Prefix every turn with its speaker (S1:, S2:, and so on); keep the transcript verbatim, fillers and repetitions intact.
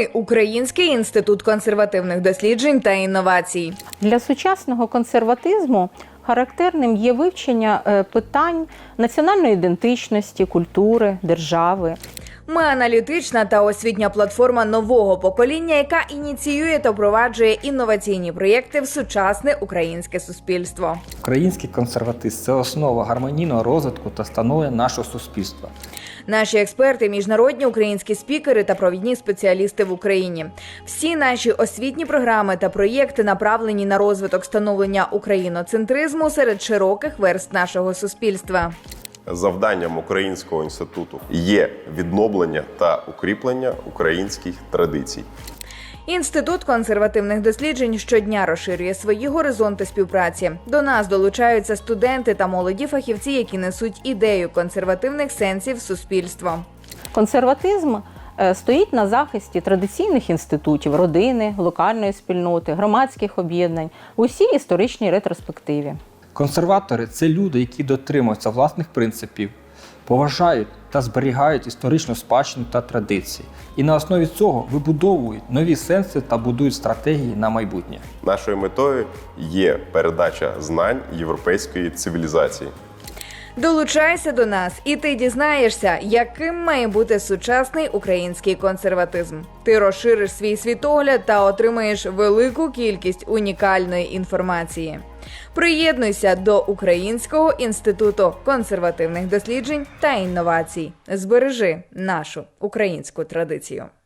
S1: Український інститут консервативних досліджень та інновацій.
S2: Для сучасного консерватизму характерним є вивчення питань національної ідентичності, культури, держави.
S1: Ми аналітична та освітня платформа нового покоління, яка ініціює та впроваджує інноваційні проєкти в сучасне українське суспільство.
S3: Український консерватизм – це основа гармонійного розвитку та становлення нашого суспільства.
S1: Наші експерти – міжнародні українські спікери та провідні спеціалісти в Україні. Всі наші освітні програми та проєкти направлені на розвиток становлення україноцентризму серед широких верств нашого суспільства.
S4: Завданням Українського інституту є відновлення та укріплення українських традицій.
S1: Інститут консервативних досліджень щодня розширює свої горизонти співпраці. До нас долучаються студенти та молоді фахівці, які несуть ідею консервативних сенсів суспільства.
S2: Консерватизм стоїть на захисті традиційних інститутів, родини, локальної спільноти, громадських об'єднань у всій історичній ретроспективі.
S3: Консерватори – це люди, які дотримуються власних принципів, поважають та зберігають історичну спадщину та традиції. І на основі цього вибудовують нові сенси та будують стратегії на майбутнє.
S4: Нашою метою є передача знань європейської цивілізації.
S1: Долучайся до нас, і ти дізнаєшся, яким має бути сучасний український консерватизм. Ти розшириш свій світогляд та отримаєш велику кількість унікальної інформації. Приєднуйся до Українського інституту консервативних досліджень та інновацій. Збережи нашу українську традицію.